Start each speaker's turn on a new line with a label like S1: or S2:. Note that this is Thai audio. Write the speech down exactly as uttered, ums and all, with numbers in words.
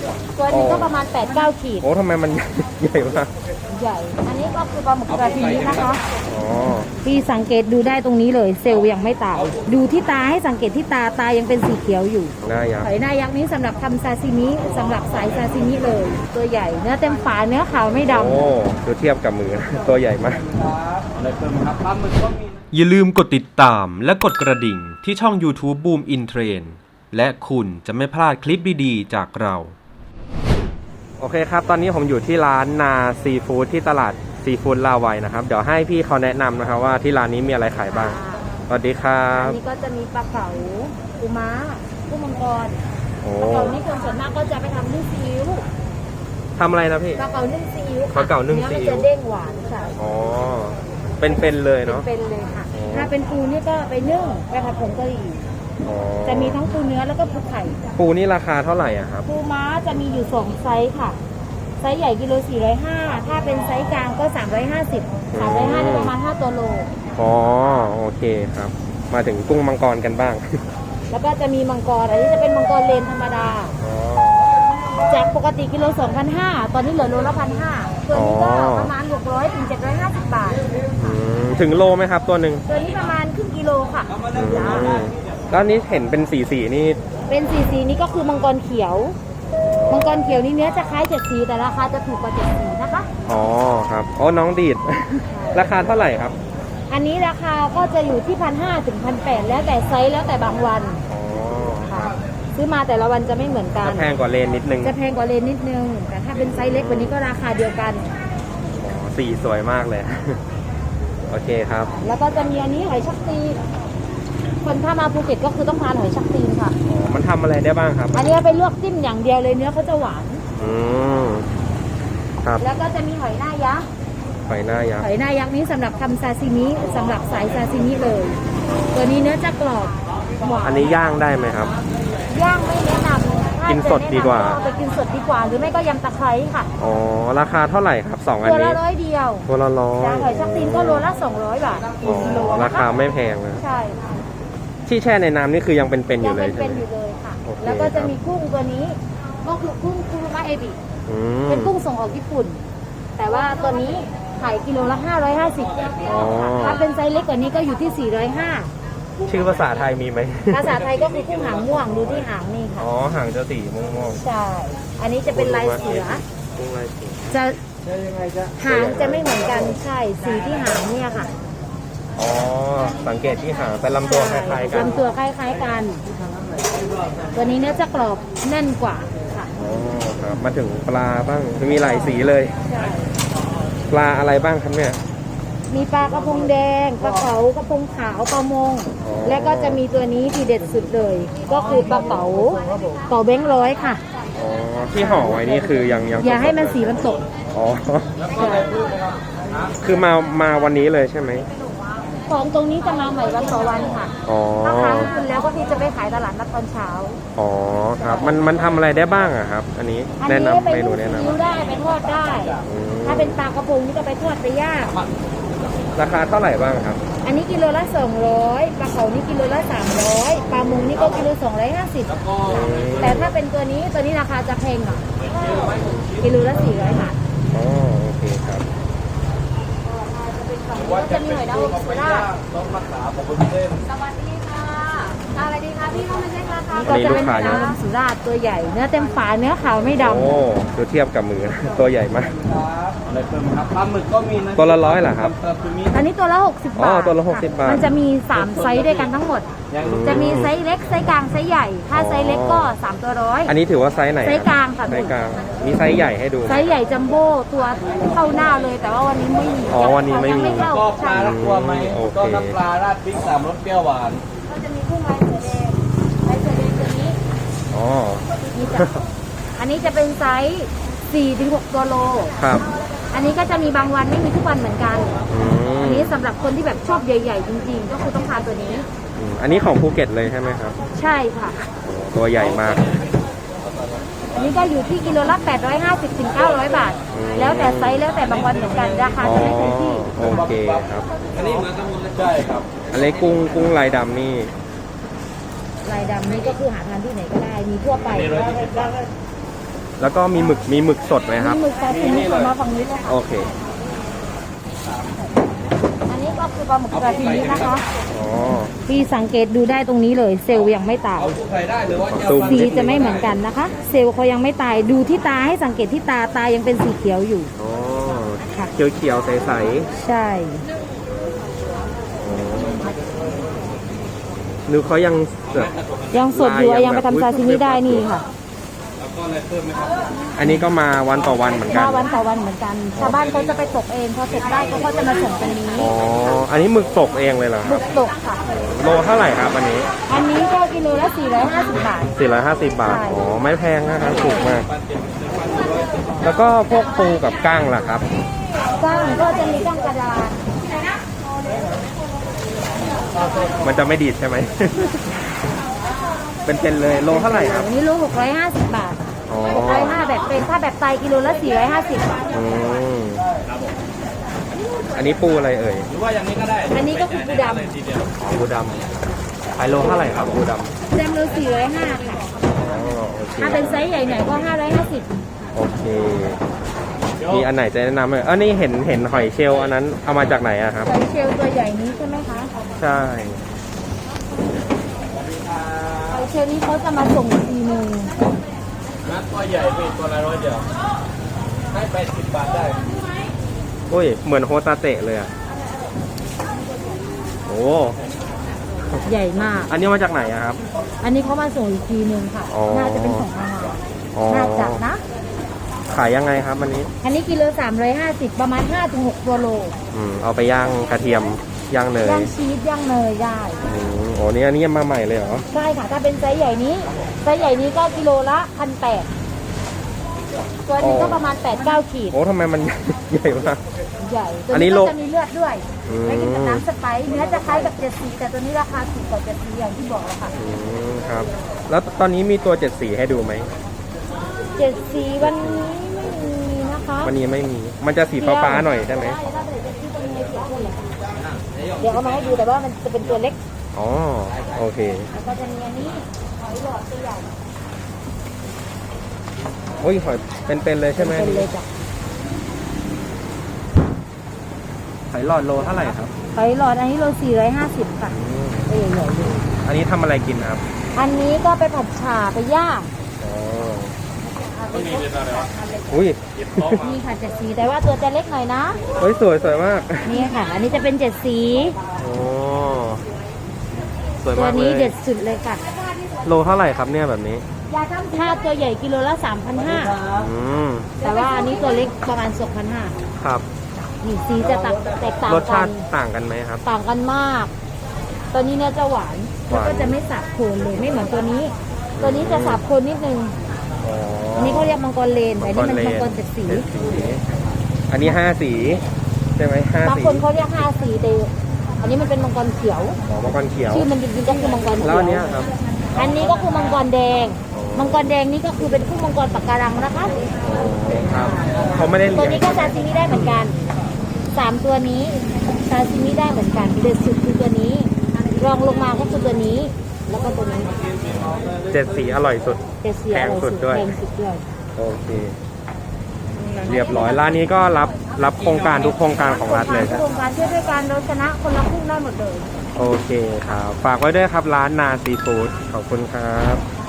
S1: ตัวนี้ก็ประมาณ แปดเก้า ขีด
S2: โอ้ทำไมมัน ใหญ่มาก
S1: ใหญ่อันนี้ก็คือปลาหมึกกระพีนะคะ
S2: อ๋อ
S1: พี่สังเกตดูได้ตรงนี้เลยเซลล์ยังไม่ตายดูที่ตาให้สังเกตที่ตาตายังเป็นสีเขียวอยู่
S2: หน้ายักษ์
S1: หอยหน้ายักษ์นี้สำหรับทำซาซิมิสำหรับสายซาซิมิเลยตัวใหญ่เนื้อเต็มฝาเนื้อขาวไม่ดำ
S2: โอ้ดูเทียบกับมือตัวใหญ่มาก
S3: อะไรเพิ่มครับปลาหมึกก็มี
S4: อย่าลืมกดติดตามและกดกระดิ่งที่ช่อง YouTube Boom In Trend และคุณจะไม่พลาดคลิปดีๆจากเรา
S2: โอเคครับตอนนี้ผมอยู่ที่ร้านนาซีฟู้ดที่ตลาดซีฟู้ดลาวัยนะครับเดี๋ยวให้พี่เขาแนะนำนะครับว่าที่ร้านนี้มีอะไรขายบ้างสวัสดีครับ
S1: อันนี้ก็จะมีปลาเก๋าปูม้ากุ้งมังกรปลาเก๋านี่คนส่วนมากก็จะไปทำนึ่งซีอิ๊ว
S2: ทำอะไรนะพี่
S1: ปลาเก๋านึ่งซีอิ๊ว
S2: ปลาเก๋านึ่งซีอิ๊ว
S1: เนื้อมันจะเด้งหวานค่ะ
S2: อ๋อเป็นๆเลยเนาะ
S1: เป็นๆเลยค่ะถ้าเป็นปูนี่ก็ไปนึ่งไปผัดผงกะหรี่จะมีทั้งปูเนื้อแล้วก็ปูไข่
S2: ปูนี่ราคาเท่าไหร่อะครับ
S1: ปูม้าจะมีอยู่สองไซส์ค่ะไซส์ใหญ่กิโลสี่ร้อยห้าถ้าเป็นไซส์กลางก็สามร้อยห้าสิบ สามร้อยห้าสิบประมาณห้าตัวโล
S2: อ๋อโอเคครับมาถึงกุ้งมังกรกันบ้าง
S1: แล้วก็จะมีมังกรอันนี้จะเป็นมังกรเลนธรรมดาจากปกติกิโลสองพันห้าตอนนี้เหลือโลละพันห้าตัวนี้ก็ประมาณหกร้อยถึงเจ็ดร้อยห้าสิบบาท
S2: ถึงโลไหมครับตัวหนึ่ง
S1: ตัวนี้ประมาณครึ่งกิโลค่ะ
S2: แล้วนี้เห็นเป็นสีสีนี่
S1: เป็นสีสีนี่ก็คือมังกรเขียวมังกรเขียวนี่เนื้อจะคล้ายเจ็ดสีแต่ราคาจะถูกกว่าเจ็ดสีนะคะ
S2: อ๋อครับอ๋อน้องดีด ราคาเท่าไหร่ครับ
S1: อันนี้ราคาก็จะอยู่ที่พันห้าถึงพันแปดแล้วแต่ไซส์แล้วแต่บางวัน
S2: อ๋อ
S1: ค่ะซื้อมาแต่ละวันจะไม่เหมือนกัน
S2: จะแพงกว่าเลนนิดนึง
S1: จะแพงกว่าเลนนิดนึงแต่ถ้าเป็นไซส์เล็กกว่านี้ก็ราคาเดียวกัน
S2: อ๋อสีสวยมากเลย โอเคครับ
S1: แล้วก็จะมีอันนี้หอยชักตีคนถ้ามาภูเก็ตก็คือต้องทานหอยชักตีนค่ะ
S2: อ๋อมันทำอะไรได้บ้างครับ
S1: อันนี้ไปลวกจิ้มอย่างเดียวเลยเนื้อเขาจะหวาน
S2: อืมครับ
S1: แล้วก็จะมีหอยหน้ายักษ์
S2: หอยหน้ายักษ์
S1: หอยหน้ายักษ์นี้สำหรับทำซาซิมิสำหรับสายซาซิมิเลยตัวนี้เนื้อจะกรอบหวาน
S2: อันนี้ย่างได้ไหมครับ
S1: ย่างไม่แนะนำ
S2: กินสดดีกว่า
S1: ไปกินสดดีกว่าหรือไม่ก็ยำตะไคร้ค่ะ
S2: อ๋อราคาเท่าไหร่ครับสองอันนี้
S1: ตัวละร้อยเดียว
S2: ตัวละร้อย
S1: หอยชักตีนก็โลละสองร้อยบาทกิโล
S2: ราคาไม่แพงนะ
S1: ใช่
S2: ที่แช่ในน้ำนี่คือยังเป็นๆอยู่เลย
S1: ยังเป็นๆอยู่เลยค่ะแล้วก็จะมีกุ้งตัวนี้ก็คือกุ้งคุรุมะเอบิเป็นกุ้งส่งออกญี่ปุ่นแต่ว่าตัวนี้ขายกิโลละห้าร้อยห้าสิบถ้าเป็นไซส์เล็กกว่านี้ก็อยู่ที่สี่ร้อยห้า
S2: ชื่อภาษาไทยมีไหม
S1: ภาษาไทยก็คือกุ้งหางม่วงดูที่หางนี่ค่ะ
S2: อ๋อหางจะสีม่วง
S1: ๆใช่อันนี้จะเป็นลายเสือ
S2: กุ้งลายเสือ
S1: จะหางจะไม่เหมือนกันใช่สีที่หางเนี่ยค่ะ
S2: อ๋อสังเกตที่หางแต่ลำตัวคล้ายๆกัน
S1: ลำตัวคล้ายๆกันตัวนี้เนื้อจะกรอบแน่นกว่าค่ะ
S2: อ๋อครับมาถึงปลาบ้างมีหลายสีเลยปลาอะไรบ้างครับเนี่ย
S1: มีปลากระพงแดงปลาเก๋ากระพงขาวปลามงและก็จะมีตัวนี้ที่เด็ดสุดเลยก็คือปลาเก๋าเก๋าแบงค์ร้อยค่ะ
S2: อ๋อที่ห่อไว้นี่คือยังยัง
S1: อย่าให้มันสีมันตก
S2: อ๋อคือมามาวันนี้เลยใช่ไหม
S1: ของตรงนี้จะมาใหม่วันต่อวันค่ะถ้าค้างคืนแล้วก็ที่จะไปขายตลาดนัดตอนเช้า
S2: อ๋อครับมันมันทำอะไรได้บ้างอะครับอันนี้แนะนำเมนูแนะนำ
S1: ได้ไปทอดได้ถ้าเป็นปลากระพงนี่ก็ไปทอดไปย่าง
S2: ราคาเท่าไหร่บ้างครับ
S1: อันนี้กิโลละสองร้อยปลาเขานี่กิโลละสามร้อยปลามงนี่ก็กิโลสองร้อยห้าสิบแต่ถ้าเป็นตัวนี้ตัวนี้ราคาจะแพงหน่อยกิโลละสี่ร้อยบาท
S2: อ๋อโอเคครับ
S1: จะมีหอยนางรมสุราษฎร์สวัสดีค่ะอะไรดีคะพี่เข้ามาเช็คราคาก็จะเป็นหอยนางรมสุราษฎร์ตัวใหญ่เนื้อเต็มฝาเนื้อขาวไม่ดำ
S2: โอ้ดูเทียบกับมือตัวใหญ่มาก
S3: อะไรเพิ่มครับปลาหมึกก็มีนะ
S2: ตัวละร้อยเหรอครับ
S1: อันนี้ตัวละหกสิบบาท
S2: อ๋อตัวละหกสิบบาท
S1: มันจะมีสามไซส์ด้วยกันทั้งหมดจะมีไซส์เล็กไซส์กลางไซส์ใหญ่ถ้าไซส์เล็กก็สามตัวร้อย
S2: อันนี้ถือว่าไซส์ไหน
S1: ไซส์กลางค่ะ
S2: ไซส์กลางมีไซส์ใหญ่ให้ดู
S1: ไซส์ใหญ่จัมโบ้ตัวเข้าหน้าเลยแต่ว่าวันนี้ไม่มี
S2: อ๋อวันนี้ไม่มี
S3: ก็ปลาละตัวไหมก็น้ำปลาราดพริกสามรสเปรี้ยวหวาน
S1: ก็จะมีกุ้งลายเสือแดงลายเสือแดงตัวนี้
S2: อ๋อ
S1: นี่จ้ะอันนี้จะเป็นไซส์สี่ถึงหกตัวโล
S2: ครับ
S1: อันนี้ก็จะมีบางวันไม่มีทุกวันเหมือนกันอันนี้สำหรับคนที่แบบชอบใหญ่ๆจริงๆก็คือต้องทานตัวนี้
S2: อันนี้ของภูเก็ตเลยใช่ไหมครับ
S1: ใช่ค่ะ
S2: ตัวใหญ่มาก
S1: อันนี้ก็อยู่ที่กิโลละแปดร้อยห้าสิบถึงเก้าร้อยบาทแล้วแต่ไซส์แล้วแต่บางวันเหมือนกันราคาจะไม่คงที่
S2: โอเคครับ
S3: อันนี้เหมือนกันหมดเลยใช่ครับ
S2: อันนี้กุ้งกุ้งลายดำนี่
S1: ลายดำนี่ก็คือหาทานที่ไหนก็ได้มีทั่วไป
S2: แล้วก็มีหมึกมีหมึกสดไหมครับ
S1: มีหมึกซาซิมิค่ะมาฝั่งนี้เลยค่ะ
S2: โอเค
S1: อันนี้ก็คือปลาหมึกซาซิมินะคะ
S2: อ๋อ
S1: พี่สังเกตดูได้ตรงนี้เลย เซลล์ยังไม่ตาย
S3: ใส่ได้หรือว่า
S2: ซูม
S1: สีจะไม่เหมือนกันนะคะ เซลล์เขายังไม่ตายดูที่ตาให้สังเกตที่ตาตายังเป็นสีเขียวอยู่
S2: อ๋อ
S1: ค่ะ
S2: เขียวเขียวๆใส
S1: ใช่
S2: ๆหรือเขายังแบบ
S1: ยังสดอยู่
S2: ลายยัง
S1: ยังไป
S2: แบบ
S1: ทำซาซิมิได้นี่ค่ะ
S2: อันนี้ก็มาวันต่อวันเหมือนกั
S1: มาน วันต่อวันเหมือนกัน ชาวบ้านเขาจะไปตกเองพอตกได้เขาก็จะมาส่งตรงนี้
S2: อ๋อ อันนี้หมึกตกเองเลยเหรอค
S1: หมึ
S2: รับ
S1: กตกค่ะ
S2: โลเท่าไหร่ครับอันนี้
S1: อันนี้ก็กิโลละสี่ร้อยห้าสิบบาท
S2: สี่ร้อยห้าสิบบาท
S1: ใช่
S2: อ๋อ ไม่แพงนะครับถูกมาก แล้วก็พวกปูกับกั้งล่ะครับ
S1: ก้างก็จะมีก้างกระดาน
S2: มันจะไม่ดีดใช่ไหม เป็นๆเลยโลเท่าไหร่ครับ
S1: อันนี้โลหกร้อยห้าสิบบาท
S2: อ๋อ
S1: หกร้อยห้าแบบเป็นถ้าแบบไตกิโลละสี่ร้อยห้าสิบบาท
S2: อืมอันนี้ปูอะไรเอ่ย
S3: หรือว่าอย่างนี้ก็ได้
S1: อันนี้ก็คือปูด
S3: ทีเดียว
S2: อ๋อปูดำขายโลเท่าไหร่ครับปูดำ
S1: ำแซมโลสี่ร้อยห้าค่ะ
S2: อ๋อโอเค
S1: ถ้าเป็นไซส์ใหญ่หน่อยก็ห้าร้อยห้าสิบ
S2: โอเค มีอันไหนจะแนะนำไหมเออนี่เห็นเห็นหอยเชลล์อันนั้นเอามาจากไหนอะครับ
S1: ไซส์เชลล์ตัวใหญ่นี้ใช่ไหมคะ
S2: ใช่
S1: ไซส์เชลล์นี้เขาจะมาส่งอีกทีหนึง
S3: นัดตัวใหญ่เป็นตัวละร้อยเดียวให้แปดสิบบาทได้
S2: อุ้ย เหมือนโฮตาเตะเลยอะโอ้
S1: ใหญ่มาก
S2: อันนี้มาจากไหนอะครับ
S1: อันนี้เขามาส่งอีกทีหนึงค่ะ
S2: อ๋อ
S1: น่าจะเป็นของทางเรา
S2: อ๋อ
S1: น่าจะนะ
S2: ขายยังไงครับอันนี้
S1: อันนี้กิโลสามร้อยห้าสิบประมาณห้าถึงหกตัวโล
S2: อืม เอาไปย่างกระเทียม ย่างเนย
S1: ย่างชีสย่างเนยได้
S2: อืมโอ้นี่อันนี้มาใหม่เลยเหรอ
S1: ใช่ค่ะ ถ้าเป็นไซส์ใหญ่นี้ ไซส์ใหญ่นี้ก็กิโลละพันแปดตัวหนึงก็ประมาณแปดเก้าขีด
S2: โอ้ทำไมมัน ใหญ่มาก
S1: ใหญ่ ตัว
S2: อันนี้
S1: นี้
S2: โล
S1: ก็จะมีเลือดด้วย
S2: อืม
S1: ไม่กินกับน้ำสไปซ์เนื้อจะคล้ายกับเจ็ดสีแต่ตัวนี้ราคาถูกกว่าเจ็ดสีอย่างที่บอกแล้วค่ะ
S2: อืมครับ แล้วตอนนี้มีตัวเจ็ดสีให้ดูไหม
S1: เจ็ดสีวันนี้ไม่มีนะคะ
S2: วันนี้ไม่มี มันจะสีฟ้าๆหน่อยใช่ไหม
S1: ใช่ถ้าเกิดจะที่ตรงนี้เสียคนเลยเดี๋ยวเอามาให้ดูแต่ว่ามันจะเป็นตัวเล็ก
S2: อ๋อ โอเค
S1: แล้วก็จะมีอันนี้หอยหลอดตัวใหญ่
S2: โอ้ยหอยเป็นๆเลยใช่ไหม
S1: เป็นเลยจ้ะ
S2: หอยหลอดโลเท่าไหร่ครับ
S1: หอยหลอดอันนี้โลสี่ร้อยห้าสิบค่ะ
S2: อืม
S1: ตัวใหญ่ๆเลย
S2: อันนี้ทำอะไรกินครับ
S1: อันนี้ก็ไปผัดฉ่าไปย่าง
S2: อ๋อ
S1: เอาไปคลุก
S2: อุ้ย
S1: นี่ค่ะเจ็ดสีแต่ว่าตัวจะเล็กหน่อยนะ
S2: เฮ้ยสวยสวยมาก
S1: นี่ค่ะ อันนี้จะเป็นเจ็ดสี
S2: โอ้สวย
S1: ตัว
S2: มากเล
S1: นี้
S2: ย
S1: เด็ดสุดเลยค่ะ
S2: โลเท่าไหร่ครับเนี่ยแบบนี้
S1: ถ้าตัวใหญ่กิโลละสามพันห้า
S2: อืม
S1: แต่ว่าอันนี้ตัวเล็กประมาณสองพันห้า
S2: ครับ
S1: นี่สีจะแตกแตกต่าง
S2: รส
S1: กั
S2: ชาน ติต่างกันไหมครับ
S1: ต่างกันมาก ตัวนี้เนี่ยจะหวาน
S2: ห
S1: แล้ว
S2: วาน
S1: ก็จะไม่สาบโคนเลยไม่เหมือนตัวนี้ ตัวนี้จะสาบโคนนิดนึง
S2: อ๋อ
S1: อันนี้เขาเรียกมังกรเลนแต่อันนี่มันมังกรเจ็ดสี
S2: เจ็ดสี อันนี้ห้าสี ใช่ไหมห้า
S1: บาง
S2: สี
S1: คนเขาเรียกห้าสีแต่อันนี้มันเป็นมังกรเขียว
S2: อ๋อมังกรเขียว
S1: ชื่อมันจริงๆก็คือมังกร
S2: แล้ว
S1: เขีย
S2: อันเนี้
S1: วย
S2: ครับ
S1: อันนี้ก็คือมังกรแดง
S2: อ๋อ
S1: มังกรแดงนี่ก็คือเป็นคู่มังกรปะการังนะคะ
S2: อ๋อครับเขาไม่ได้
S1: ตัว
S2: เลี้ยง
S1: นี้ก็ซาซิมิได้เหมือนกันสามตัวนี้ซาซิมิได้เหมือนกันเด็ดสุดคือตัวนี้ รองลงมาก็คือตัวนี้ แล้วก็ตัวนี้
S2: เจ็ดสีอร่อยสุด
S1: เจ็ดสีอร่อย
S2: แพงสุดด้วย
S1: แพงสุดด้วย
S2: โอเค เรียบร้อยร้านนี้ก็รับรับโครงการทุกโครงการของรัฐเลยครับ
S1: โครงการช่วยด้วยกันเราชนะคนละครึ่งได้หมดเลย
S2: โอเคครับ ฝากไว้ด้วยครับร้านนาซีฟู้ดขอบคุณครับ